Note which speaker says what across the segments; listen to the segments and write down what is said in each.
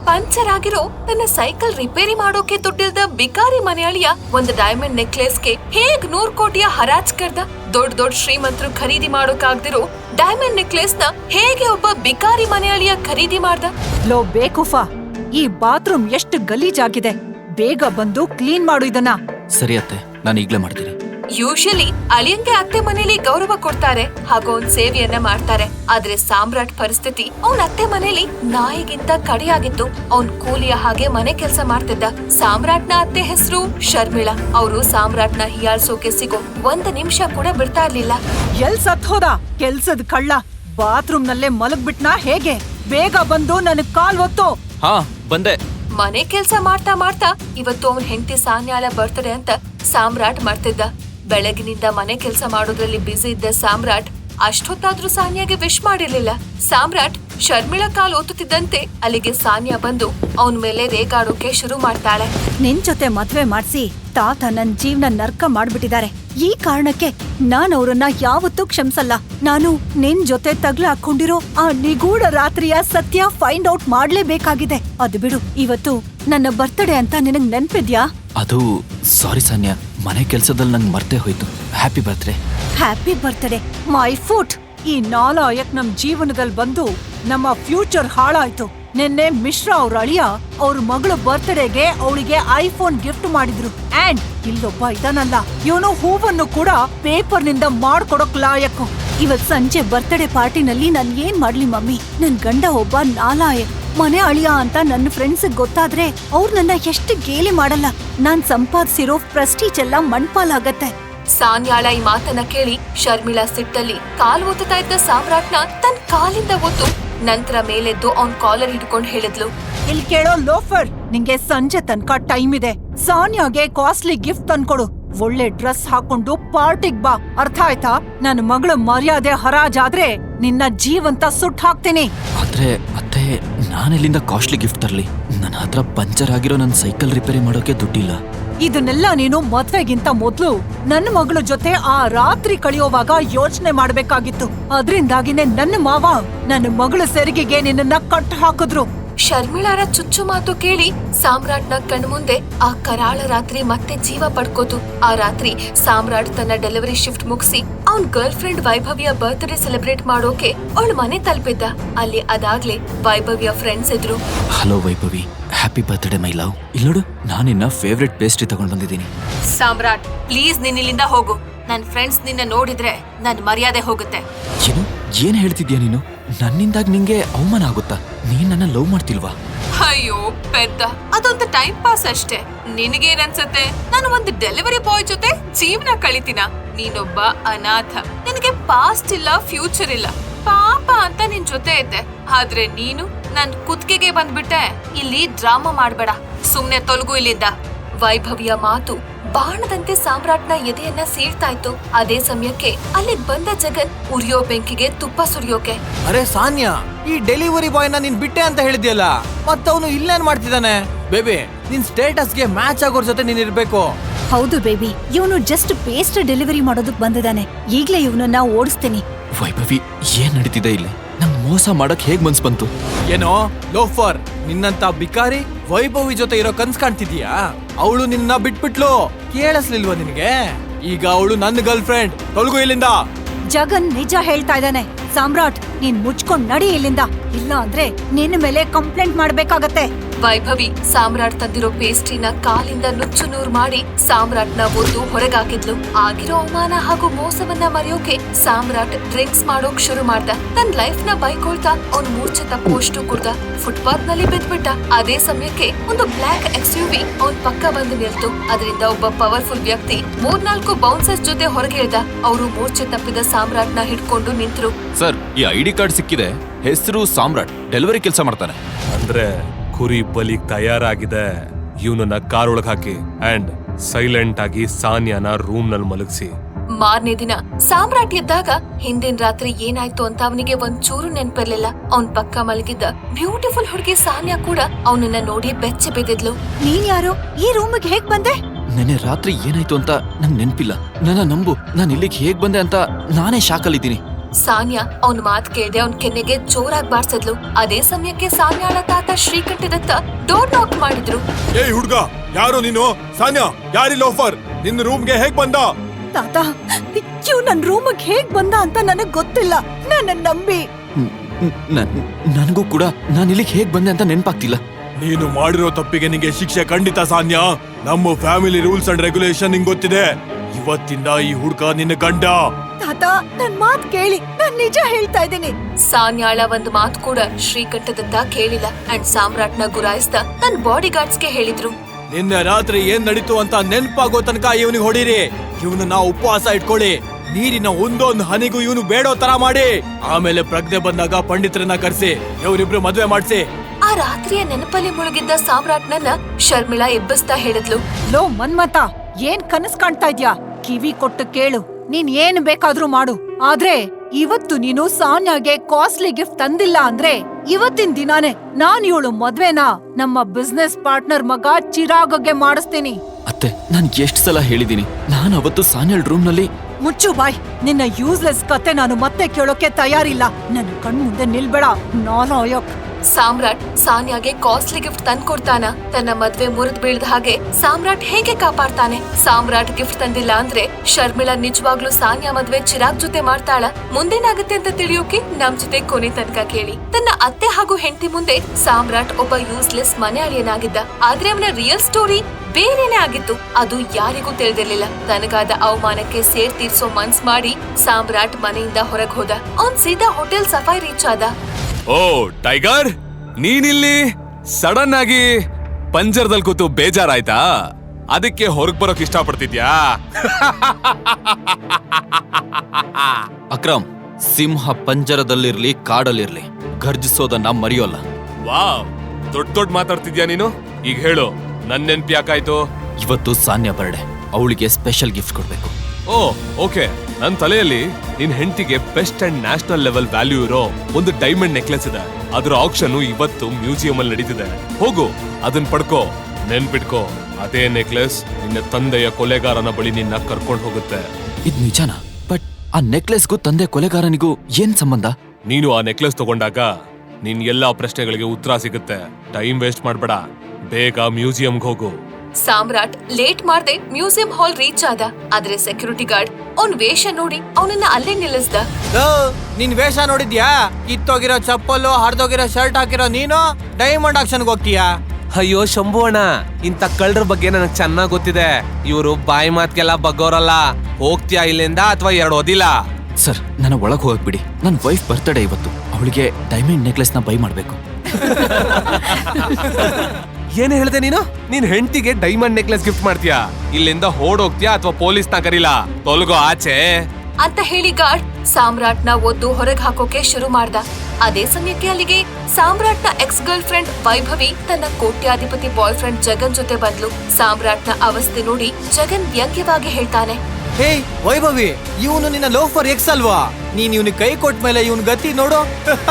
Speaker 1: Puncture ಆಗಿರೋ ತನ್ನ cycle repair ಮಾಡೋಕೆ ದುಡ್ಡಿಲ್ದ ಬಿಕಾರಿ ಮನೆಯಾಳಿಯ ಒಂದು ಡೈಮಂಡ್ ನೆಕ್ಲೆಸ್ಗೆ ಹೇಗ್ 100 ಕೋಟಿಯ ಹರಾಜ್ ಕರ್ದ. ದೊಡ್ಡ ದೊಡ್ಡ ಶ್ರೀಮಂತರು ಖರೀದಿ ಮಾಡೋಕಾಗ್ದಿರೋ ಡೈಮಂಡ್ ನೆಕ್ಲೆಸ್ ನ ಹೇಗೆ ಒಬ್ಬ ಬಿಕಾರಿ ಮನೆಯಾಳಿಯ ಖರೀದಿ ಮಾಡ್ದ.
Speaker 2: ಲೋ ಬೇಕುಫಾ, ಈ ಬಾತ್ರೂಮ್ ಎಷ್ಟು ಗಲೀಜಾಗಿದೆ, ಬೇಗ ಬಂದು ಕ್ಲೀನ್ ಮಾಡು ಇದನ್ನ.
Speaker 3: ಸರಿ ಅತ್ತೆ, ನಾನು ಈಗ್ಲೇ ಮಾಡ್ತೀನಿ.
Speaker 1: ಯೂಶಲಿ ಅಳಿಯಂಗೆ ಅತ್ತೆ ಮನೇಲಿ ಗೌರವ ಕೊಡ್ತಾರೆ ಹಾಗೂ ಅವ್ನ್ ಸೇವೆಯನ್ನ ಮಾಡ್ತಾರೆ. ಆದ್ರೆ ಸಾಮ್ರಾಟ್ ಪರಿಸ್ಥಿತಿ ಅವನ್ ಅತ್ತೆ ಮನೇಲಿ ನಾಯಿಗಿಂತ ಕಡೆಯಾಗಿತ್ತು. ಅವ್ನ್ ಕೂಲಿಯ ಹಾಗೆ ಮನೆ ಕೆಲಸ ಮಾಡ್ತಿದ್ದ. ಸಾಮ್ರಾಟ್ನ ಅತ್ತೆ ಹೆಸರು ಶರ್ಮಿಳಾ. ಅವರು ಸಾಮ್ರಾಟ್ನ ಹಿಯಾಳ್ಸೋಕೆ ಸಿಗೋ 1 ನಿಮಿಷ ಕೂಡ ಬಿಡ್ತಾ ಇರ್ಲಿಲ್ಲ.
Speaker 2: ಎಲ್ ಸತ್ ಹೋದ ಕೆಲ್ಸದ ಕಳ್ಳ? ಬಾತ್ರೂಮ್ ನಲ್ಲೇ ಮಲಗ್ಬಿಟ್ನಾ ಹೇಗೆ? ಬೇಗ ಬಂದು ನನಗ್ ಕಾಲ್ ಒತ್ತು.
Speaker 3: ಹಾ ಬಂದೆ.
Speaker 1: ಮನೆ ಕೆಲ್ಸ ಮಾಡ್ತಾ ಮಾಡ್ತಾ ಇವತ್ತು ಅವನ್ ಹೆಂಡತಿ ಸಾನ್ಯಾಳ ಬರ್ತಡೆ ಅಂತ ಸಾಮ್ರಾಟ್ ಮಾಡ್ತಿದ್ದ. ಬೆಳಗಿನಿಂದ ಮನೆ ಕೆಲಸ ಮಾಡೋದ್ರಲ್ಲಿ ಬ್ಯುಸಿ ಇದ್ದ ಸಾಮ್ರಾಟ್ ಅಷ್ಟೊತ್ತಾದ್ರೂ ಸಾನ್ಯಾಗೆ ವಿಶ್ ಮಾಡಿರ್ಲಿಲ್ಲ. ಸಾಮ್ರಾಟ್ ಶರ್ಮಿಳಾ ಕಾಲ್ ಒತ್ತುತ್ತಿದ್ದಂತೆ ಅಲ್ಲಿಗೆ ಸಾನ್ಯಾ ಬಂದು ಅವನ್ ಮೇಲೆ ರೇಗಾಡೋಕೆ ಶುರು ಮಾಡ್ತಾಳೆ.
Speaker 2: ನಿನ್ ಜೊತೆ ಮದ್ವೆ ಮಾಡ್ಸಿ ತಾತ ನನ್ ಜೀವನ ನರ್ಕ ಮಾಡ್ಬಿಟ್ಟಿದ್ದಾರೆ. ಈ ಕಾರಣಕ್ಕೆ ನಾನ್ ಅವ್ರನ್ನ ಯಾವತ್ತೂ ಕ್ಷಮಿಸಲ್ಲ. ನಾನು ನಿನ್ ಜೊತೆ ತಗ್ಲ ಹಾಕೊಂಡಿರೋ ಆ ನಿಗೂಢ ರಾತ್ರಿಯ ಸತ್ಯ ಫೈಂಡ್ ಔಟ್ ಮಾಡ್ಲೇಬೇಕಾಗಿದೆ. ಅದು ಬಿಡು, ಇವತ್ತು ನನ್ನ ಬರ್ತ್ಡೇ ಅಂತ ನಿನಗ್ ನೆನ್ಪಿದ್ಯಾ?
Speaker 3: ಅದು ಸಾರಿ ಸಾನ್ಯಾ, ಮನೆ ಕೆಲ್ಸದಲ್ಲಿ ನಂಗೆ ಮರ್ತೇ ಹೋಯ್ತು. Happy birthday.
Speaker 2: Happy birthday my foot. ಈ ನಾಲಾಯಕ್ ನಮ್ ಜೀವನದಲ್ಲಿ ಬಂದು ನಮ್ಮ ಫ್ಯೂಚರ್ ಹಾಳಾಯ್ತು. ನಿನ್ನೆ ಮಿಶ್ರಾ ಅವ್ರ ಅಳಿಯ ಅವ್ರ ಮಗಳು ಬರ್ತ್ಡೇಗೆ ಅವಳಿಗೆ ಐಫೋನ್ ಗಿಫ್ಟ್ ಮಾಡಿದ್ರು. ಅಂಡ್ ಇಲ್ಲೊಬ್ಬ ಇದನಲ್ಲ, ಇವನು ಹೂವನ್ನು ಕೂಡ ಪೇಪರ್ ನಿಂದ ಮಾಡ್ಕೊಡಕ್ ಲಾಯಕ್ಕು. ಇವತ್ ಸಂಜೆ ಬರ್ತ್ಡೇ ಪಾರ್ಟಿನಲ್ಲಿ ನಾನ್ ಏನ್ ಮಾಡ್ಲಿ ಮಮ್ಮಿ? ನನ್ ಗಂಡ ಒಬ್ಬ ನಾಲಾಯಕ್ ಮನೆ ಅಳಿಯ ಅಂತ ನನ್ನ ಫ್ರೆಂಡ್ಸ್ ಗೊತ್ತಾದ್ರೆ ಅವ್ರು ನನ್ನ ಎಷ್ಟು ಗೇಲಿ ಮಾಡಲ್ಲ. ನಾನ್ ಸಂಪಾದಿಸಿರೋ ಪ್ರೆಸ್ಟೀಜ್ ಎಲ್ಲ ಮಣ್ಪಾಲಾಗತ್ತೆ.
Speaker 1: ಸಾನ್ಯಾಳ ಈ ಮಾತನ್ನ ಕೇಳಿ ಶರ್ಮಿಳಾ ಸಿಟ್ಟಲ್ಲಿ ಕಾಲ್ ಒತ್ತುತ್ತಾ ಇದ್ದ ಸಾಮ್ರಾಟ್ನ ತನ್ ಕಾಲಿಂದ ಒತ್ತು ನಂತರ ಮೇಲೆದ್ದು ಅವ್ನ್ ಕಾಲರ್ ಹಿಡ್ಕೊಂಡು ಹೇಳಿದ್ಲು,
Speaker 2: ಇಲ್ ಕೇಳೋ ಲೋಫರ್, ನಿಂಗೆ ಸಂಜೆ ತನಕ ಟೈಮ್ ಇದೆ. ಸಾನ್ಯಾಗೆ ಕಾಸ್ಟ್ಲಿ ಗಿಫ್ಟ್ ತಂದ್ಕೊಡು. ಒಳ್ಳೆ ಡ್ರೆಸ್ ಹಾಕೊಂಡು ಪಾರ್ಟಿಗ್ ಬಾ, ಅರ್ಥ ಆಯ್ತಾ? ನನ್ನ ಮಗಳ ಮರ್ಯಾದೆ ಹರಾಜಾದ್ರೆ ನಿನ್ನ ಜೀವಂತ ಸುಟ್ ಹಾಕ್ತೀನಿ.
Speaker 3: ಆದ್ರೆ ಅತ್ತೆ, ನಾನೆಲ್ಲಿಂದ ಕಾಸ್ಟ್ಲಿ ಗಿಫ್ಟ್ ತರ್ಲಿ? ನನ್ನ ಹತ್ರ ಪಂಚರ್ ಆಗಿರೋ ನನ್ನ ಸೈಕಲ್ ರಿಪೇರಿ ಮಾಡೋಕೆ ದುಡ್ಡಿಲ್ಲ.
Speaker 2: ಇದನ್ನೆಲ್ಲ ನೀನು ಮದ್ವೆಗಿಂತ ಮೊದ್ಲು ನನ್ನ ಮಗಳ ಜೊತೆ ಆ ರಾತ್ರಿ ಕಳೆಯೋವಾಗ ಯೋಚನೆ ಮಾಡ್ಬೇಕಾಗಿತ್ತು. ಅದ್ರಿಂದಾಗಿನೇ ನನ್ನ ಮಾವ ನನ್ನ ಮಗಳ ಸೆರಿಗೆಗೆ ನಿನ್ನನ್ನ ಕಟ್ ಹಾಕಿದ್ರು.
Speaker 1: ಶರ್ಮಿಳಾರ ಚುಚ್ಚು ಮಾತು ಕೇಳಿ ಸಾಮ್ರಾಟ್ನ ಕಣ್ಮುಂದೆ ಆ ಕರಾಳ ರಾತ್ರಿ ಮತ್ತೆ ಜೀವ ಪಡ್ಕೋತು. ಆ ರಾತ್ರಿ ಸಾಮ್ರಾಟ್ ತನ್ನ ಡೆಲಿವರಿ ಶಿಫ್ಟ್ ಮುಗಿಸಿ ಅವನ್ ಗರ್ಲ್ ಫ್ರೆಂಡ್ ವೈಭವಿಯ ಬರ್ತ್ಡೇ ಸೆಲೆಬ್ರೇಟ್ ಮಾಡೋಕೆ ಅವಳ ಮನೆ ತಲುಪಿದ್ದ. ಅಲ್ಲಿ ಅದಾಗ್ಲೇ ವೈಭವಿಯ ಫ್ರೆಂಡ್ಸ್ ಇದ್ರು.
Speaker 3: Hello Vaibhavi, happy birthday my love. ಇಲ್ಲಿ ನೋಡು, ನಾನಿನ್ನ ಫೇವ್ರೆಟ್ ಪೇಸ್ಟ್ರಿ ತಗೊಂಡ್ ಬಂದಿದ್ದೀನಿ.
Speaker 1: ಸಾಮ್ರಾಟ್, ಪ್ಲೀಸ್ ನಿನ್ನಿಲ್ಲಿಂದ ಹೋಗು. ನನ್ ಫ್ರೆಂಡ್ಸ್ ನಿನ್ನ ನೋಡಿದ್ರೆ ನನ್ ಮರ್ಯಾದೆ ಹೋಗುತ್ತೆ.
Speaker 3: ಏನು ಏನ್ ಹೇಳ್ತಿದ್ಯಾ ನೀನು? ನನ್ನಿಂದಾಗ್ ನಿಂಗೆ ಅವಮಾನ ಆಗುತ್ತಾ? ನೀನ್ ನನ್ನ ಲವ್ ಮಾಡ್ತಿಲ್ವಾ?
Speaker 1: ಅಯ್ಯೋ ಪೆದ್ದ, ಅದೊಂದು ಟೈಮ್ ಪಾಸ್ ಅಷ್ಟೇ. ನಿನಗೇನನ್ಸತ್ತೆ ನಾನು ಒಂದು ಡೆಲಿವರಿ ಬಾಯ್ ಜೊತೆ ಜೀವನ ಕಳಿತೀನ? ನೀನೊಬ್ಬ ಅನಾಥ, ನಿನಗೆ ಪಾಸ್ಟ್ ಇಲ್ಲ, ಫ್ಯೂಚರ್ ಇಲ್ಲ. ಪಾಪ ಅಂತ ನಿನ್ ಜೊತೆ ಇದ್ದೆ, ಆದ್ರೆ ನೀನು ನನ್ ಕುತ್ತಿಗೆಗೆ ಬಂದ್ಬಿಟ್ಟೆ. ಇಲ್ಲಿ ಡ್ರಾಮಾ ಮಾಡ್ಬೇಡ, ಸುಮ್ನೆ ತೊಲಗು ಇಲ್ಲಿಂದ. ವೈಭವಿಯ ಮಾತು ಬಾಣದಂತೆ ಸಾಮ್ರಾಟ್ನ ಎದೆಯನ್ನ ಸೀಳ್ತಾ ಇತ್ತು. ಅದೇ ಸಮಯಕ್ಕೆ ಅಲ್ಲಿಗ್ ಬಂದ ಜಗನ್ ಉರಿಯೋ ಬೆಂಕಿಗೆ ತುಪ್ಪ ಸುರಿಯೋಕೆ.
Speaker 4: ಅರೆ ಸಾನ್ಯಾ, ಈ ಡೆಲಿವರಿ ಬಾಯ್ ನ ನೀನ್ ಬಿಟ್ಟೆ ಅಂತ ಹೇಳಿದ್ಯಲ್ಲ, ಮತ್ತವನು ಇಲ್ಲೇನ್ ಮಾಡ್ತಿದ್ದಾನೆ? ಬೇಬಿ, ನಿನ್ ಸ್ಟೇಟಸ್ಗೆ ಮ್ಯಾಚ್ ಆಗೋರ್ ಜೊತೆ ನೀನ್ ಇರ್ಬೇಕು.
Speaker 2: ಹೌದು ಬೇಬಿ, ಇವನು ಜಸ್ಟ್ ಪೇಸ್ಟ್ ಡೆಲಿವರಿ ಮಾಡೋದಕ್ ಬಂದಿದ್ದಾನೆ. ಈಗ್ಲೇ ಇವನನ್ನ ಓಡಿಸ್ತೀನಿ.
Speaker 3: ವೈಭವಿ, ಏನ್ ನಡೀತಿದೆ ಇಲ್ಲಿ? ನಂಗ್ ಮೋಸ ಮಾಡಕ್ ಹೇಗ್ ಮನ್ಸ್ ಬಂತು?
Speaker 4: ಏನೋ ಲೋಫರ್, ನಿನ್ನಂತ ಬಿಕಾರಿ ವೈಭವಿ ಜೊತೆ ಇರೋ ಕನ್ಸ್ ಕಾಣ್ತಿದ್ಯಾ? ಅವಳು ನಿನ್ನ ಬಿಟ್ಬಿಟ್ಲು, ಕೇಳಿಸ್ಲಿಲ್ವಾ ನಿನಗೆ? ಈಗ ಅವಳು ನನ್ನ ಗರ್ಲ್ ಫ್ರೆಂಡ್. ತೊಲಗು ಇಲ್ಲಿಂದ.
Speaker 2: ಜಗನ್ ನಿಜ ಹೇಳ್ತಾ ಇದ್ದಾನೆ. ಸಾಮ್ರಾಟ್, ನೀನ್ ಮುಚ್ಕೊಂಡ್ ನಡಿ ಇಲ್ಲಿಂದ, ಇಲ್ಲ ಅಂದ್ರೆ ನಿನ್ನ ಮೇಲೆ ಕಂಪ್ಲೇಂಟ್ ಮಾಡ್ಬೇಕಾಗತ್ತೆ.
Speaker 1: ವೈಭವಿ ಸಾಮ್ರಾಟ್ ತಂದಿರೋ ಪೇಸ್ಟ್ರಿನ ಕಾಲಿಂದ ನುಚ್ಚು ನೂರು ಮಾಡಿ ಸಾಮ್ರಾಟ್ನ ಒದ್ದು ಹೊರಗಾಕಿದ್ಲು. ಆಗಿರೋ ಅವಮಾನ ಹಾಗೂ ಮೋಸವನ್ನ ಮರೆಯೋಕೆ ಸಾಮ್ರಾಟ್ ಡ್ರಿಂಕ್ಸ್ ಮಾಡೋಕ್ ಶುರು ಮಾಡ್ದ. ತನ್ನ ಲೈಫ್ ನ ಬೈಕೊಳ್ತಾ ಅವ್ನು ಮೂರ್ಛೆ ತಪ್ಪುವಷ್ಟು ಕುಡ್ದ. ಫುಟ್ಪಾತ್ ನಲ್ಲಿ ಬಿದ್ಬಿಟ್ಟ. ಅದೇ ಸಮಯಕ್ಕೆ ಒಂದು ಬ್ಲಾಕ್ XUV ಅವ್ನ್ ಪಕ್ಕ ಬಂದು ನಿಲ್ತು. ಅದರಿಂದ ಒಬ್ಬ ಪವರ್ಫುಲ್ ವ್ಯಕ್ತಿ 3-4 ಬೌನ್ಸರ್ಸ್ ಜೊತೆ ಹೊರಗೆ ಇಳ್ದ. ಅವರು ಮೂರ್ಛೆ ತಪ್ಪಿದ ಸಾಮ್ರಾಟ್ನ ಹಿಡ್ಕೊಂಡು ನಿಂತ್ರು.
Speaker 5: ಸರ್, ಈ ID ಕಾರ್ಡ್ ಸಿಕ್ಕಿದೆ. ಹೆಸರು ಸಾಮ್ರಾಟ್, ಡೆಲಿವರಿ ಕೆಲಸ ಮಾಡ್ತಾನೆ.
Speaker 6: ಅಂದ್ರೆ ಕುರಿ ಬಲಿಗ್ ತಯಾರಾಗಿದೆ. ಇವನನ್ನ ಕಾರ್ ಒಳಗ್ ಹಾಕಿ ಅಂಡ್ ಸೈಲೆಂಟ್ ಆಗಿ ಸಾನ್ಯಾನ ರೂಮ್ ನಲ್ಲಿ ಮಲಗಿಸಿ.
Speaker 1: ಮಾರನೇ ದಿನ ಸಾಮ್ರಾಟ್ ಎದ್ದಾಗ ಹಿಂದಿನ ರಾತ್ರಿ ಏನಾಯ್ತು ಅಂತ ಅವನಿಗೆ ಒಂಚೂರು ನೆನ್ಪಿರ್ಲಿಲ್ಲ. ಅವನ್ ಪಕ್ಕ ಮಲಗಿದ್ದ ಬ್ಯೂಟಿಫುಲ್ ಹುಡುಗಿ ಸಾನ್ಯಾ ಕೂಡ ಅವನನ್ನ ನೋಡಿ ಬೆಚ್ಚ ಬಿದ್ದಿದ್ಲು.
Speaker 2: ನೀನ್ ಯಾರು? ಈ ರೂಮಿಗೆ ಹೇಗ್ ಬಂದೆ?
Speaker 3: ನೆನ್ನೆ ರಾತ್ರಿ ಏನಾಯ್ತು ಅಂತ ನಂಗ್ ನೆನ್ಪಿಲ್ಲ. ನನ್ನ ನಂಬು, ನಾನ್ ಇಲ್ಲಿಗೆ ಹೇಗ್ ಬಂದೆ ಅಂತ ನಾನೇ ಶಾಕಲ್ಲಿದ್ದೀನಿ.
Speaker 1: ಸಾನ್ಯಾ ಅವ್ನ್ ಮಾತ್ ಕೇಳ್ದೆ ಅವ್ನ್ ಕೆನ್ನೆಗೆ ಜೋರಾಗಿ ಬಾರ್ಸಿದ್ಲು. ಅದೇ ಸಮಯಕ್ಕೆ ಸಾನ್ಯಾಳ ತಾತ ಶ್ರೀಕಂಠದತ್ತ ಡೋರ್ ನಾಕ್ ಮಾಡಿದ್ರು.
Speaker 6: ಏಯ್ ಹುಡ್ಗ, ಯಾರು ನೀನು? ಸಾನ್ಯಾ, ಯಾರಿ ಲೋಫರ್? ನಿನ್ನ ರೂಮ್ಗೆ ಹೇಗ್ ಬಂದ?
Speaker 2: ತಾತ, ಇವ್ ನನ್ ರೂಮಿಗೆ ಹೇಗ್ ಬಂದ ಅಂತ ನನಗ್ ಗೊತ್ತಿಲ್ಲ. ನನ್ನ ನಂಬಿ.
Speaker 3: ನನಗೂ ಕೂಡ ನಾನು ಇಲ್ಲಿಗೆ ಹೇಗ್ ಬಂದೆ ಅಂತ ನೆನ್ಪಾಗ್ತಿಲ್ಲ.
Speaker 6: ನೀನು ಮಾಡಿರೋ ತಪ್ಪಿಗೆ ನಿಂಗೆ ಶಿಕ್ಷೆ ಖಂಡಿತ ಸಾನ್ಯಾ. ನಮ್ಮ ಫ್ಯಾಮಿಲಿ ರೂಲ್ಸ್ ಅಂಡ್ ರೆಗ್ಯುಲೇಷನ್ ನಿಂಗ್ ಗೊತ್ತಿದೆ. ಇವತ್ತಿಂದ ಈ ಹುಡ್ಗ ನಿನ್ನ ಗಂಡ.
Speaker 2: ತಾತ, ನನ್ ಮಾತ್ ಕೇಳಿ, ನಾನ್ ನಿಜ ಹೇಳ್ತಾ ಇದ್ದೀನಿ.
Speaker 1: ಸಾನ್ಯಾಳ ಒಂದ್ ಮಾತು ಕೂಡ ಶ್ರೀಕಂಠದತ್ತ ಕೇಳಿಲ್ಲ. ಅಂಡ್ ಸಾಮ್ರಾಟ್ನ ಗುರಾಯಿಸ್ದ ತನ್ನ ಬಾಡಿ ಗಾರ್ಡ್ಸ್ಗೆ ಹೇಳಿದ್ರು,
Speaker 4: ನಿನ್ನೆ ರಾತ್ರಿ ಏನ್ ನಡೀತು ಅಂತ ನೆನ್ಪಾಗೋ ತನಕ ಇವನಿಗೆ ಹೊಡೀರಿ. ಇವನನ್ನ ಉಪವಾಸ ಇಟ್ಕೊಳ್ಳಿ. ನೀರಿನ ಒಂದೊಂದು ಹನಿಗೂ ಇವನು ಬೇಡೋ ತರ ಮಾಡಿ. ಆಮೇಲೆ ಪ್ರಜ್ಞೆ ಬಂದಾಗ ಪಂಡಿತರನ್ನ ಕರ್ಸಿ ಇವರಿಬ್ರು ಮದ್ವೆ ಮಾಡ್ಸಿ.
Speaker 1: ಆ ರಾತ್ರಿಯ ನೆನಪಲ್ಲಿ ಮುಳುಗಿದ್ದ ಸಾಮ್ರಾಟ್ನನ್ನ ಶರ್ಮಿಳಾ ಎಬ್ಬಿಸ್ತಾ ಹೇಳಿದ್ಲು.
Speaker 2: ಲೋ ಮನ್ಮತ, ಏನ್ ಕನಸ್ ಕಾಣ್ತಾ ಇದ್ಯಾ? ಕಿವಿ ಕೊಟ್ಟು ಕೇಳು. ನೀನ್ ಏನ್ ಬೇಕಾದ್ರೂ ಮಾಡು, ಆದ್ರೆ ಇವತ್ತು ನೀನು ಸಾನ್ಯಾಗೆ ಕಾಸ್ಟ್ಲಿ ಗಿಫ್ಟ್ ತಂದಿಲ್ಲ ಅಂದ್ರೆ ಇವತ್ತಿನ ದಿನಾನೇ ನಾನ್ ಇವಳು ಮದ್ವೆನ ನಮ್ಮ ಬಿಸ್ನೆಸ್ ಪಾರ್ಟ್ನರ್ ಮಗ ಚಿರಾಗ್ಗೆ ಮಾಡಿಸ್ತೀನಿ.
Speaker 3: ಅತ್ತೆ, ನಾನ್ ಎಷ್ಟ್ ಸಲ ಹೇಳಿದೀನಿ, ನಾನು ಅವತ್ತು ಸಾನ್ಯಾಳ್ ರೂಮ್ ನಲ್ಲಿ.
Speaker 2: ಮುಚ್ಚು ಬಾಯ್. ನಿನ್ನ ಯೂಸ್ಲೆಸ್ ಕತೆ ನಾನು ಮತ್ತೆ ಕೇಳೋಕೆ ತಯಾರಿಲ್ಲ. ನನ್ನ ಕಣ್ಮುಂದೆ ನಿಲ್ಬೇಡ ನಾಲಾಯಕ್.
Speaker 1: ಸಾಮ್ರಾಟ್ ಸಾನ್ಯಾಗೆ ಕಾಸ್ಟ್ಲಿ ಗಿಫ್ಟ್ ತಂದ್ಕೊಡ್ತಾನ. ತನ್ನ ಮದ್ವೆ ಮುರಿದ್ ಬೀಳ್ದ ಹಾಗೆ ಸಾಮ್ರಾಟ್ ಹೇಗೆ ಕಾಪಾಡ್ತಾನೆ? ಸಾಮ್ರಾಟ್ ಗಿಫ್ಟ್ ತಂದಿಲ್ಲ ಅಂದ್ರೆ ಶರ್ಮಿಳಾ ನಿಜವಾಗ್ಲೂ ಸಾನ್ಯಾ ಮದ್ವೆ ಚಿರಾಗ್ ಜೊತೆ ಮಾಡ್ತಾಳ? ಮುಂದೇನಾಗುತ್ತೆ ಅಂತ ತಿಳಿಯೋಕೆ ನಮ್ ಜೊತೆ ಕೊನೆ ತನಕ ಕೇಳಿ. ತನ್ನ ಅತ್ತೆ ಹಾಗೂ ಹೆಂಡತಿ ಮುಂದೆ ಸಾಮ್ರಾಟ್ ಒಬ್ಬ ಯೂಸ್ಲೆಸ್ ಮನೆ ಅಳಿಯನಾಗಿದ್ದ. ಆದ್ರೆ ಅವನ ರಿಯಲ್ ಸ್ಟೋರಿ ಬೇರೆನೆ ಆಗಿತ್ತು. ಅದು ಯಾರಿಗೂ ತಿಳಿದಿರ್ಲಿಲ್ಲ. ತನಗಾದ ಅವಮಾನಕ್ಕೆ ಸೇರ್ ತೀರ್ಸೋ ಮನ್ಸ್ ಮಾಡಿ ಸಾಮ್ರಾಟ್ ಮನೆಯಿಂದ ಹೊರಗ್ ಹೋದ. ಅವ್ನ್ ಸೀದಾ ಹೋಟೆಲ್ ಸಫಾಯಿ ರೀಚ್ ಆದ.
Speaker 6: ಓ ಟೈಗರ್, ನೀನಿಲ್ಲಿ ಸಡನ್ ಆಗಿ ಪಂಜರದಲ್ಲಿ ಕೂತು ಬೇಜಾರಾಯ್ತಾ? ಅದಕ್ಕೆ ಹೊರಗ್ ಬರೋಕ್ ಇಷ್ಟಪಡ್ತಿದ್ಯಾ?
Speaker 3: ಅಕ್ರಮ್, ಸಿಂಹ ಪಂಜರದಲ್ಲಿರ್ಲಿ ಕಾಡಲ್ಲಿರ್ಲಿ ಗರ್ಜಿಸೋದನ್ನ ಮರೆಯೋಲ್ಲ.
Speaker 6: ವಾವ್, ದೊಡ್ಡ ಮಾತಾಡ್ತಿದ್ಯಾ ನೀನು. ಈಗ ಹೇಳು, ನನ್ ನೆನ್ಪು ಯಾಕಾಯ್ತು?
Speaker 3: ಇವತ್ತು ಸಾನ್ಯಾ ಬರ್ಡೆ, ಅವಳಿಗೆ ಸ್ಪೆಷಲ್ ಗಿಫ್ಟ್ ಕೊಡ್ಬೇಕು.
Speaker 6: ಓ ಓಕೆ, ನನ್ ತಲೆಯಲ್ಲಿ ನಿನ್ ಹೆಂಡತಿಗೆ best and national level value ಇರೋ ಒಂದು ಡೈಮಂಡ್ ನೆಕ್ಲೆಸ್ ಇದೆ. ಅದ್ರ ಆಕ್ಷನ್ ಇವತ್ತು ಮ್ಯೂಸಿಯಂ ಅಲ್ಲಿ ನಡೀತಿದೆ. ಹೋಗು, ಅದನ್ ಪಡ್ಕೋ. ನೆನ್ಪಿಟ್ಕೋ, ಅದೇ ನೆಕ್ಲೆಸ್ ನಿನ್ನ ತಂದೆಯ ಕೊಲೆಗಾರನ ಬಳಿ ನಿನ್ನ ಕರ್ಕೊಂಡು ಹೋಗುತ್ತೆ.
Speaker 3: ಇದ್ ನಿಜಾನಾ? ಬಟ್ ಆ ನೆಕ್ಲೆಸ್ಗೂ ತಂದೆ ಕೊಲೆಗಾರನಿಗೂ ಏನ್ ಸಂಬಂಧ?
Speaker 6: ನೀನು ಆ ನೆಕ್ಲೆಸ್ ತಗೊಂಡಾಗ ನಿನ್ ಎಲ್ಲಾ ಪ್ರಶ್ನೆಗಳಿಗೆ ಉತ್ತರ ಸಿಗುತ್ತೆ. ಟೈಮ್ ವೇಸ್ಟ್ ಮಾಡ್ಬೇಡ, ಬೇಗ ಮ್ಯೂಸಿಯಂಗೆ ಹೋಗು.
Speaker 1: ಸಾಮ್ರಾಟ್ ಲೇಟ್ ಮಾಡ್ದೆ ಮ್ಯೂಸಿಯಂ ಹಾಲ್ ರೀಚ್ ಆದ. ಆದ್ರೆ ಸೆಕ್ಯೂರಿಟಿ ಗಾರ್ಡ್ ಅವ್ನ್ ವೇಷ ನೋಡಿ ಅವನನ್ನ ಅಲ್ಲೇ ನಿಲ್ಲಿಸ್ದ.
Speaker 4: ನಿನ್ ವೇಷ ನೋಡಿದ್ಯಾ? ಕಿತ್ತೋಗಿರೋ ಚಪ್ಪಲು, ಹರಿದೋಗಿರೋ ಶರ್ಟ್ ಹಾಕಿರೋ ನೀನು ಡೈಮಂಡ್ ಆಕ್ಷನ್ಗೆ ಹೋಗ್ತೀಯಾ?
Speaker 7: ಅಯ್ಯೋ ಶಂಭು ಅಣ್ಣ, ಇಂಥ ಕಳ್ಳರ ಬಗ್ಗೆ ನನಗ್ ಚೆನ್ನಾಗ್ ಗೊತ್ತಿದೆ. ಇವರು ಬಾಯಿ ಮಾತ್ಗೆಲ್ಲ ಬಗ್ಗೋರಲ್ಲ. ಹೋಗ್ತೀಯಾ ಇಲ್ಲಿಂದ ಅಥವಾ ಎರಡು ಓದಿಲ್ಲ?
Speaker 3: ಸರ್, ನನ್ನ ಒಳಗ್ ಹೋಗಕ್ ಬಿಡಿ. ನನ್ ವೈಫ್ ಬರ್ತ್ಡೇ ಇವತ್ತು. ಅವಳಿಗೆ ಡೈಮಂಡ್ ನೆಕ್ಲೆಸ್ ನ ಬೈ ಮಾಡ್ಬೇಕು.
Speaker 7: ಏನ್ ಹೇಳ್ದೆ ನೀನು? ನಿನ್ ಹೆಂಡತಿಗೆ ಡೈಮಂಡ್ ನೆಕ್ಲೆಸ್ ಗಿಫ್ಟ್ ಮಾಡ್ತೀಯಾ? ಇಲ್ಲಿಂದ ಹೋಗ್ತೀಯಾ ಅಥವಾ ಪೊಲೀಸ್ನ ಕರೀಲಾ? ತೊಲಗೋ ಆಚೆ
Speaker 1: ಅಂತ ಹೇಳಿ ಗಾರ್ಡ್ ಸಾಮ್ರಾಟ್ನ ಒದ್ದು ಹೊರಗ್ ಹಾಕೋಕೆ ಶುರು ಮಾಡ್ದ. ಅದೇ ಸಮಯಕ್ಕೆ ಅಲ್ಲಿಗೆ ಸಾಮ್ರಾಟ್ನ ಎಕ್ಸ್ ಗರ್ಲ್ ಫ್ರೆಂಡ್ ವೈಭವಿ ತನ್ನ ಕೋಟ್ಯಾಧಿಪತಿ ಬಾಯ್ ಫ್ರೆಂಡ್ ಜಗನ್ ಜೊತೆ ಬಂದ್ಲು. ಸಾಮ್ರಾಟ್ನ ಅವಸ್ಥೆ ನೋಡಿ ಜಗನ್ ವ್ಯಂಗ್ಯವಾಗಿ ಹೇಳ್ತಾನೆ,
Speaker 4: ಹೇ ವೈಭವಿ, ಇವನು ನಿನ್ನ ಲೋಫರ್ ಎಕ್ಸ್ ಅಲ್ವಾ? ನೀನ್ ಇವನಿಗೆ ಕೈ ಕೊಟ್ಟ ಮೇಲೆ ಇವನ್ ಗತಿ ನೋಡು.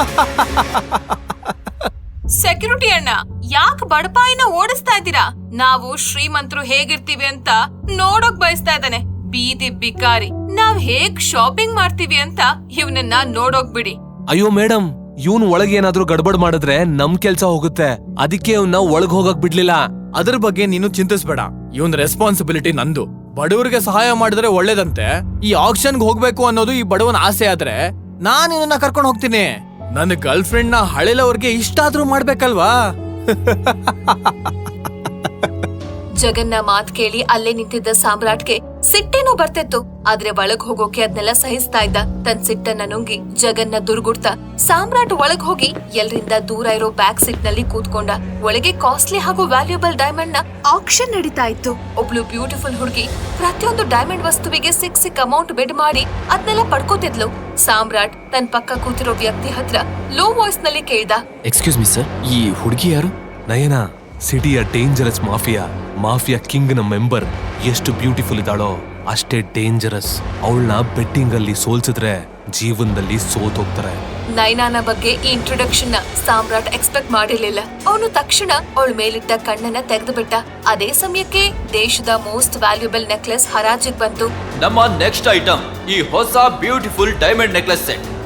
Speaker 1: ಸೆಕ್ಯೂರಿಟಿ ಅಣ್ಣ, ಯಾಕೆ ಬಡಪಾಯಿನ ಓಡಿಸ್ತಾ ಇದ್ದೀರಾ? ನಾವು ಶ್ರೀಮಂತರು ಹೇಗಿರ್ತೀವಿ ಅಂತ ನೋಡೋಕ್ ಬಯಸ್ತಾ ಇದ್ದಾನೆ. ಬೀದಿ ಬಿಕಾರಿ, ನಾವ್ ಹೇಗ್ ಶಾಪಿಂಗ್ ಮಾಡ್ತೀವಿ ಅಂತ ಇವನನ್ನ ನೋಡೋಕ್ ಬಿಡಿ.
Speaker 7: ಅಯ್ಯೋ ಮೇಡಮ್, ಇವನ್ ಒಳಗೆ ಏನಾದ್ರೂ ಗಡ್ಬಡ್ ಮಾಡಿದ್ರೆ ನಮ್ ಕೆಲ್ಸ ಹೋಗುತ್ತೆ. ಅದಕ್ಕೆ ಇವ್ನ ಒಳಗ್ ಹೋಗಕ್ ಬಿಡ್ಲಿಲ್ಲ.
Speaker 4: ಅದ್ರ ಬಗ್ಗೆ ನೀನು ಚಿಂತಿಸ್ಬೇಡ. ಇವನ್ ರೆಸ್ಪಾನ್ಸಿಬಿಲಿಟಿ ನಂದು. ಬಡವರಿಗೆ ಸಹಾಯ ಮಾಡಿದ್ರೆ ಒಳ್ಳೇದಂತೆ. ಈ ಆಕ್ಷನ್ಗೆ ಹೋಗ್ಬೇಕು ಅನ್ನೋದು ಈ ಬಡವನ ಆಸೆ ಆದ್ರೆ ನಾನ್ ಇವನ್ನ ಕರ್ಕೊಂಡು ಹೋಗ್ತೀನಿ. ನನ್ನ ಗರ್ಲ್ ಫ್ರೆಂಡ್ ನ ಹಳೆಲವ್ರಿಗೆ ಇಷ್ಟ ಆದ್ರೂ ಮಾಡ್ಬೇಕಲ್ವಾ?
Speaker 1: ಜಗನ್ನ ಮಾತ್ ಕೇಳಿ ಅಲ್ಲೇ ನಿಂತಿದ್ದ ಸಾಮ್ರಾಟ್ಗೆ ಸಿಟ್ಟೇನೋ ಬರ್ತಿತ್ತು. ಆದ್ರೆ ಒಳಗ್ ಹೋಗೋಕೆ ಅದ್ನೆಲ್ಲ ಸಹಿಸ್ತಾ ಇದ್ದ. ತನ್ ಸಿಟ್ಟನ್ನ ನುಂಗಿ ಜಗನ್ನ ದುರ್ಗುಡ್ತಾ ಸಾಮ್ರಾಟ್ ಒಳಗ್ ಹೋಗಿ ಎಲ್ರಿಂದ ದೂರ ಇರೋ ಬ್ಯಾಕ್ ಸೀಟ್ ನಲ್ಲಿ ಕೂತ್ಕೊಂಡ. ಒಳಗೆ ಕಾಸ್ಟ್ಲಿ ಹಾಗೂ ವ್ಯಾಲ್ಯೂಬಲ್ ಡೈಮಂಡ್ ನ ಆಕ್ಷನ್ ನಡೀತಾ ಇತ್ತು. ಒಬ್ಳು ಬ್ಯೂಟಿಫುಲ್ ಹುಡುಗಿ ಪ್ರತಿಯೊಂದು ಡೈಮಂಡ್ ವಸ್ತುವಿಗೆ ಸಿಕ್ ಅಮೌಂಟ್ ಬಿಡ್ ಮಾಡಿ ಅದ್ನೆಲ್ಲ ಪಡ್ಕೋತಿದ್ಲು. ಸಾಮ್ರಾಟ್ ತನ್ ಪಕ್ಕ ಕೂತಿರೋ ವ್ಯಕ್ತಿ ಹತ್ರ ಲೋ ವಾಯ್ಸ್ ನಲ್ಲಿ ಕೇಳ್ದ,
Speaker 3: ಎಕ್ಸ್ಕ್ಯೂಸ್ ಮಿ ಸರ್, ಈ ಹುಡುಗಿ ಯಾರು?
Speaker 7: ನಯನ, ಸಿಟಿಯ ಡೇಂಜರಸ್ ಮಾಫಿಯಾ ಕಿಂಗ್ ನ ಮೆಂಬರ್. ಎಷ್ಟು ಬ್ಯೂಟಿಫುಲ್ ಇದ್ದಾಳೋ ಅಷ್ಟೇ ಡೇಂಜರಸ್. ಅವಳನ್ನ ಬೆಟ್ಟಿಂಗ್ ಅಲ್ಲಿ ಸೋಲ್ಸಿದ್ರೆ ಜೀವನದಲ್ಲಿ ಸೋತೋಗ್ತಾರೆ.
Speaker 1: ನೈನಾನ ಬಗ್ಗೆ ಈ ಇಂಟ್ರೊಡಕ್ಷನ್ ನ ಸಾಮ್ರಾಟ್ ಎಕ್ಸ್ಪೆಕ್ಟ್ ಮಾಡಿರ್ಲಿಲ್ಲ. ಅವನು ತಕ್ಷಣ ಅವಳ ಮೇಲಿಟ್ಟ ಕಣ್ಣನ್ನ ತೆಗೆದು ಬಿಟ್ಟ. ಅದೇ ಸಮಯಕ್ಕೆ ದೇಶದ ಮೋಸ್ಟ್ ವ್ಯಾಲ್ಯೂಬಲ್ ನೆಕ್ಲೆಸ್ ಹರಾಜಿಗೆ ಬಂತು.
Speaker 3: ನಮ್ಮ ನೆಕ್ಸ್ಟ್ ಐಟಮ್ ಈ ಹೊಸ ಬ್ಯೂಟಿಫುಲ್ ಡೈಮಂಡ್ ನೆಕ್ಲೆಸ್ ಸೆಟ್.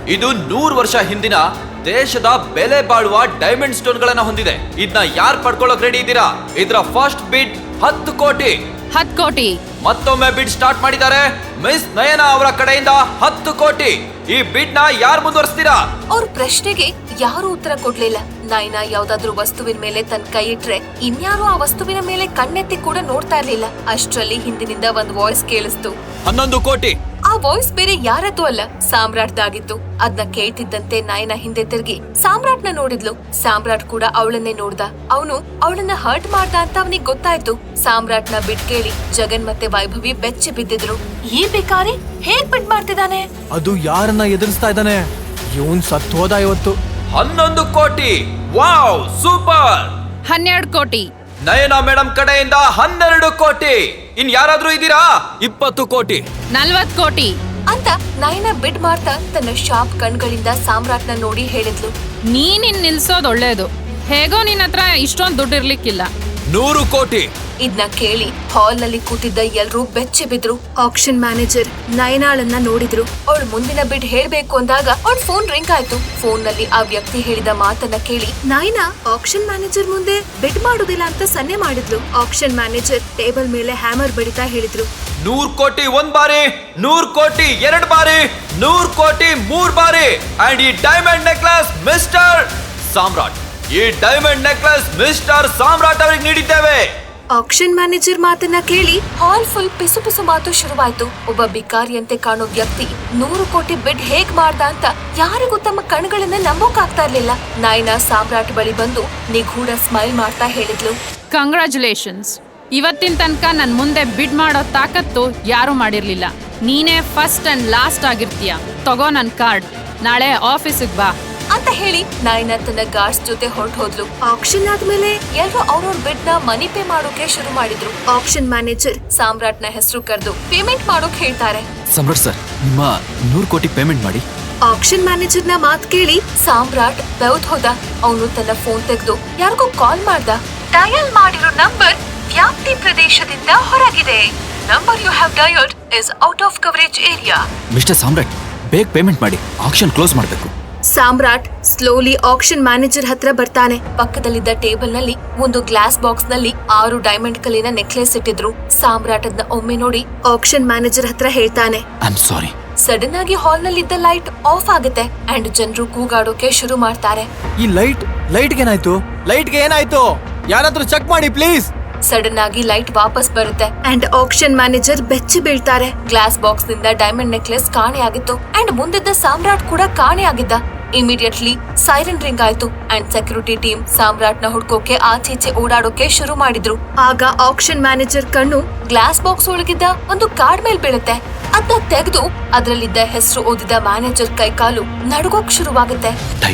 Speaker 3: ಇದು 100 ವರ್ಷ ಹಿಂದಿನ ದೇಶದ ಬೆಲೆ ಬಾಳುವ ಡೈಮಂಡ್ ಸ್ಟೋನ್ ಗಳನ್ನ ಹೊಂದಿದೆ. ಇದನ್ನ ಯಾರು ಪಡ್ಕೊಳ್ಳೋಕ್ ರೆಡಿ ಇದ್ದೀರಾ? ಇದರ ಫಸ್ಟ್ ಬಿಡ್ 10 ಕೋಟಿ.
Speaker 8: 10 ಕೋಟಿ.
Speaker 3: ಮತ್ತೊಮ್ಮೆ ಬಿಡ್ ಸ್ಟಾರ್ಟ್ ಮಾಡಿದ್ದಾರೆ. ಮಿಸ್ ನಯನ ಅವರ ಕಡೆಯಿಂದ 10 ಕೋಟಿ. ಈ ಬಿಡ್ ನ ಯಾರು ಮುಂದುವರಿಸ್ತೀರಾ?
Speaker 1: ಅವ್ರ ಪ್ರಶ್ನೆಗೆ ಯಾರು ಉತ್ತರ ಕೊಡ್ಲಿಲ್ಲ. ನಯನ ಯಾವ್ದಾದ್ರು ವಸ್ತುವಿನ ಮೇಲೆ ತನ್ನ ಕೈ ಇಟ್ರೆ ಇನ್ಯಾರು ಆ ವಸ್ತುವಿನ ಮೇಲೆ ಕಣ್ಣೆತ್ತಿ ಕೂಡ ನೋಡ್ತಾ ಇರ್ಲಿಲ್ಲ. ಅಷ್ಟ್ರಲ್ಲಿ ಹಿಂದಿನಿಂದ ಒಂದ್ ವಾಯ್ಸ್ ಕೇಳಿಸ್ತು.
Speaker 3: 11 ಕೋಟಿ.
Speaker 1: ಆ ವಾಯ್ಸ್ ಬೇರೆ ಯಾರದ್ದು ಅಲ್ಲ, ಸಾಮ್ರಾಟ್ದಾಗಿತ್ತು. ಅದನ್ನ ಕೇಳ್ತಿದ್ದಂತೆ ನಯನ ಹಿಂದೆ ತಿರುಗಿ ಸಾಮ್ರಾಟ್ನ ನೋಡಿದ್ಲು. ಸಾಮ್ರಾಟ್ ಕೂಡ ಅವಳನ್ನೇ ನೋಡ್ದ. ಅವನು ಅವಳನ್ನ ಹರ್ಟ್ ಮಾಡ್ದ ಅಂತ ಅವನಿಗೆ ಗೊತ್ತಾಯ್ತು. ಸಾಮ್ರಾಟ್ನ ಬಿಟ್ ಕೇಳಿ ಜಗನ್ ಮತ್ತೆ ವೈಭವಿ ಬೆಚ್ಚಿ ಬಿದ್ದಿದ್ರು. ಈ ಬೇಕಾರಿ ಹೇಗ್ ಬಿಟ್ ಮಾಡ್ತಿದ್ದಾನೆ?
Speaker 4: ಅದು ಯಾರನ್ನ ಎದುರಿಸ್ತಾ ಇದ್ದಾನೆ? ಇವನ್ ಸತ್ತು ಹೋದ ಇವತ್ತು.
Speaker 3: 11 ಕೋಟಿ. Wow, super.
Speaker 8: 12 ಕೋಟಿ.
Speaker 3: ನಯನ ಮೇಡಮ್ ಕಡೆಯಿಂದ 12 ಕೋಟಿ. ಇನ್ ಯಾರಾದ್ರೂ ಇದ್ದೀರಾ? 20 ಕೋಟಿ.
Speaker 8: 40 ಕೋಟಿ
Speaker 1: ಅಂತ ನಯನ ಬಿಡ್ ಮಾಡ್ತಾ ತನ್ನ ಶಾರ್ಪ್ ಕಣ್ಗಳಿಂದ ಸಾಮ್ರಾಟ್ನ ನೋಡಿ ಹೇಳಿದ್ಲು.
Speaker 8: ನೀನ್ ನಿಲ್ಸೋದ್ ಒಳ್ಳೇದು. ಹೇಗೋ ನಿನ್ ಹತ್ರ ಇಷ್ಟೊಂದ್ ದುಡ್ಡು ಇರ್ಲಿಕ್ಕಿಲ್ಲ.
Speaker 3: 100 ಕೋಟಿ.
Speaker 1: ಇದನ್ನ ಕೇಳಿ ಹಾಲ್ ನಲ್ಲಿ ಕೂತಿದ್ದ ಎಲ್ರೂ ಬೆಚ್ಚಿ ಬಿದ್ರು. ಆಕ್ಷನ್ ಮ್ಯಾನೇಜರ್ ನಯನಾಳನ್ನ ನೋಡಿದ್ರು. ಅವಳು ಮುಂದಿನ ಬಿಡ್ ಹೇಳ್ಬೇಕು ಅಂದಾಗ ಅವಳ ಫೋನ್ ರಿಂಗ್ ಆಯ್ತು. ಫೋನ್ ನಲ್ಲಿ ಆ ವ್ಯಕ್ತಿ ಹೇಳಿದ ಮಾತನ್ನ ಕೇಳಿ ನಯನಾ ಆಕ್ಷನ್ ಮ್ಯಾನೇಜರ್ ಮುಂದೆ ಬಿಡ್ ಮಾಡುದಿಲ್ಲ ಅಂತ ಸನ್ನೆ ಮಾಡಿದ್ಲು. ಆಕ್ಷನ್ ಮ್ಯಾನೇಜರ್ ಟೇಬಲ್ ಮೇಲೆ ಹ್ಯಾಮರ್ ಬಡಿತಾ ಹೇಳಿದ್ರು.
Speaker 3: 100 ಕೋಟಿ 1 ಬಾರಿ, 100 ಕೋಟಿ 2 ಬಾರಿ, 100 ಕೋಟಿ 3 ಬಾರಿ. ಅಂಡ್ ಈ ಡೈಮಂಡ್ ನೆಕ್ಲೆಸ್ ಮಿಸ್ಟರ್ ಸಾಮ್ರಾಟ್. ಈ ಡೈಮಂಡ್ ನೆಕ್ಲೆಸ್ ಮಿಸ್ಟರ್ ಸಾಮ್ರಾಟ್ ಅವರಿಗೆ ನೀಡಿದ್ದೇವೆ.
Speaker 1: ಆಕ್ಷನ್ ಮ್ಯಾನೇಜರ್ ಮಾತನ್ನ ಕೇಳಿ ಹಾಲ್ ಫುಲ್ ಪಿಸು ಪಿಸು ಮಾತು ಶುರುವಾಯ್ತು. ಒಬ್ಬ ಬಿಕಾರಿಯಂತೆ ಕಾಣೋ ವ್ಯಕ್ತಿ 100 ಕೋಟಿ ಬಿಡ್ ಹೇಗ್ ಮಾಡ್ದ ಅಂತ ಯಾರಿಗೂ ತಮ್ಮ ಕಣ್ಗಳನ್ನ ನಂಬೋಕಾಗ್ತಾ ಇರ್ಲಿಲ್ಲ. ನಯನ ಸಾಮ್ರಾಟ್ ಬಳಿ ಬಂದು ನಿಗೂಢ ಸ್ಮೈಲ್ ಮಾಡ್ತಾ ಹೇಳಿದ್ಲು.
Speaker 8: ಕಂಗ್ರಾಚುಲೇಷನ್ಸ್. ಇವತ್ತಿನ ತನಕ ನನ್ ಮುಂದೆ ಬಿಡ್ ಮಾಡೋ ತಾಕತ್ತು ಯಾರು ಮಾಡಿರ್ಲಿಲ್ಲ. ನೀನೇ ಫಸ್ಟ್ ಅಂಡ್ ಲಾಸ್ಟ್ ಆಗಿರ್ತೀಯ. ತಗೋ ನನ್ ಕಾರ್ಡ್. ನಾಳೆ ಆಫೀಸಿಗೆ ಬಾ
Speaker 1: ಅಂತ ಹೇಳಿ ನಯನ ತನ್ನ ಗಾರ್ಡ್ಸ್ ಜೊತೆ ಹೊರಟು ಹೋದ್ಲು. ಆಕ್ಷನ್ ಆದ್ಮೇಲೆ ಎಲ್ರು ಅವ್ರವ್ರ ಬಿಡ್ ನ ಮನಿ ಪೇ ಮಾಡೋಕೆ ಶುರು ಮಾಡಿದ್ರು. ಆಕ್ಷನ್ ಮ್ಯಾನೇಜರ್ ಸಾಮ್ರಾಟ್ನ ಹೆಸರು ಕರೆದು ಪೇಮೆಂಟ್ ಮಾಡೋಕ್ ಹೇಳ್ತಾರೆ.
Speaker 3: ಸಾಮ್ರಾಟ್ ಸರ್, ನಿಮ್ಮ 100 ಕೋಟಿ ಪೇಮೆಂಟ್ ಮಾಡಿ.
Speaker 1: ಆಕ್ಷನ್ ಮ್ಯಾನೇಜರ್ ನ ಮಾತ್ ಕೇಳಿ ಸಾಮ್ರಾಟ್ ಬೆವ್ದ್ ಹೋದ. ಅವನು ತನ್ನ ಫೋನ್ ತೆಗೆದು ಯಾರಿಗೂ ಕಾಲ್ ಮಾಡ್ದ. ಡಯಲ್ ಮಾಡಿರೋ ನಂಬರ್ ವ್ಯಾಪ್ತಿ ಪ್ರದೇಶದಿಂದ ಹೊರಗಿದೆ. Number you have dialled is out of coverage area.
Speaker 3: Mister Samrat, ಬೇಗ ಪೇಮೆಂಟ್ ಮಾಡಿ. ಆಕ್ಷನ್ ಕ್ಲೋಸ್ ಮಾಡಬೇಕು.
Speaker 1: ಸಾಮ್ರಾಟ್ ಸ್ಲೋಲಿ ಆಕ್ಷನ್ ಮ್ಯಾನೇಜರ್ ಹತ್ರ ಬರ್ತಾನೆ. ಪಕ್ಕದಲ್ಲಿದ್ದ ಟೇಬಲ್ ನಲ್ಲಿ ಒಂದು ಗ್ಲಾಸ್ ಬಾಕ್ಸ್ ನಲ್ಲಿ 6 ಡೈಮಂಡ್ ಕಲ್ಲಿನ ನೆಕ್ಲೆಸ್ ಇಟ್ಟಿದ್ರು. ಸಾಮ್ರಾಟ್ ಅದನ್ನ ಒಮ್ಮೆ ನೋಡಿ ಆಕ್ಷನ್ ಮ್ಯಾನೇಜರ್ ಹತ್ರ ಹೇಳ್ತಾನೆ.
Speaker 3: I am sorry.
Speaker 1: ಸಡನ್ ಆಗಿ ಹಾಲ್ ನಲ್ಲಿದ್ದ ಲೈಟ್ ಆಫ್ ಆಗುತ್ತೆ ಅಂಡ್ ಜನರು ಕೂಗಾಡೋಕೆ ಶುರು ಮಾಡ್ತಾರೆ.
Speaker 4: ಈ ಲೈಟ್ಗೆ ಏನಾಯ್ತು? ಲೈಟ್ಗೆ ಏನಾಯ್ತು? ಯಾರಾದ್ರೂ ಚೆಕ್ ಮಾಡಿ ಪ್ಲೀಸ್.
Speaker 1: ಸಡನ್ ಆಗಿ ಲೈಟ್ ವಾಪಸ್ ಬರುತ್ತೆ ಅಂಡ್ ಆಕ್ಷನ್ ಮ್ಯಾನೇಜರ್ ಬೆಚ್ಚಿ ಬೀಳ್ತಾರೆ. ಗ್ಲಾಸ್ ಬಾಕ್ಸ್ ನಿಂದ ಡೈಮಂಡ್ ನೆಕ್ಲೆಸ್ ಕಾಣೆ ಆಗಿತ್ತು ಅಂಡ್ ಮುಂದಿದ್ದ ಸಾಮ್ರಾಟ್ ಕೂಡ ಕಾಣೆ ಆಗಿದ್ದ. ಇಮಿಡಿಯೇಟ್ಲಿ ಸೈರನ್ ರಿಂಗ್ ಆಯ್ತು ಅಂಡ್ ಸೆಕ್ಯೂರಿಟಿ ಟೀಮ್ ಸಾಮ್ರಾಟ್ ನ ಹುಡ್ಕೋಕೆ ಆಚೀಚೆ ಓಡಾಡೋಕೆ ಶುರು ಮಾಡಿದ್ರು. ಆಗ ಆಕ್ಷನ್ ಮ್ಯಾನೇಜರ್ ಕಣ್ಣು ಗ್ಲಾಸ್ ಬಾಕ್ಸ್ ಒಳಗಿದ್ದ ಒಂದು ಕಾರ್ಡ್ ಮೇಲ್ ಬೀಳುತ್ತೆ. ಅದನ್ನ ತೆಗೆದು ಅದರಲ್ಲಿದ್ದ ಹೆಸರು ಓದಿದ ಮ್ಯಾನೇಜರ್ ಕೈಕಾಲು ನಡುಗೋಕ್ ಶುರುವಾಗುತ್ತೆ.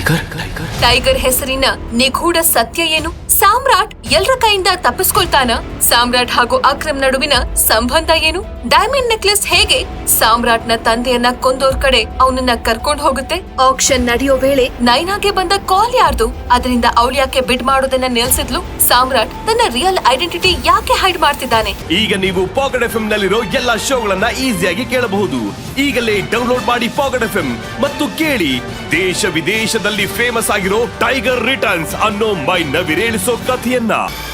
Speaker 1: ಟೈಗರ್ ಹೆಸರಿನ ನಿಗೂಢ ಸತ್ಯ ಏನು? ಸಾಮ್ರಾಟ್ ಎಲ್ರ ಕೈಯಿಂದ ತಪ್ಪಿಸ್ಕೊಳ್ತಾನ? ಸಾಮ್ರಾಟ್ ಹಾಗೂ ಅಕ್ರಮ್ ನಡುವಿನ ಸಂಬಂಧ ಏನು? ಡೈಮಂಡ್ ನೆಕ್ಲೆಸ್ ಹೇಗೆ ಸಾಮ್ರಾಟ್ ನ ತಂದೆಯನ್ನ ಕೊಂದೋರ್ ಕಡೆ ಅವನನ್ನ ಕರ್ಕೊಂಡ್ ಹೋಗುತ್ತೆ? ಆಕ್ಷನ್ ನಡೆಯೋ ವೇಳೆ ನೈನಾಗೆ ಬಂದ ಕಾಲ್ ಯಾರ್ದು? ಅದರಿಂದ ಅವಳು ಯಾಕೆ ಬಿಡ್ ಮಾಡೋದನ್ನ ನಿಲ್ಸಿದ್ಲು? ಸಾಮ್ರಾಟ್ ತನ್ನ ರಿಯಲ್ ಐಡೆಂಟಿಟಿ ಯಾಕೆ ಹೈಡ್ ಮಾಡ್ತಿದ್ದಾನೆ?
Speaker 9: ಈಗ ನೀವು ಪಾಕೆಟ್ ಎಫ್ಎಂ ನಲ್ಲಿರೋ ಎಲ್ಲಾ ಶೋಗಳನ್ನ ಈಸಿಯಾಗಿ ಕೇಳಬಹುದು. ಈಗಲೇ ಡೌನ್ಲೋಡ್ ಮಾಡಿ ಪಾಕೆಟ್ ಎಫ್ಎಂ ಮತ್ತು ಕೇಳಿ ದೇಶ ವಿದೇಶದಲ್ಲಿ ಫೇಮಸ್ ಆಗಿರೋ ಟೈಗರ್ ರಿಟರ್ನ್ಸ್ ಅನ್ನೋ ಮೈ ನವಿರೇಳಿಸೋ ಕಥೆಯನ್ನ.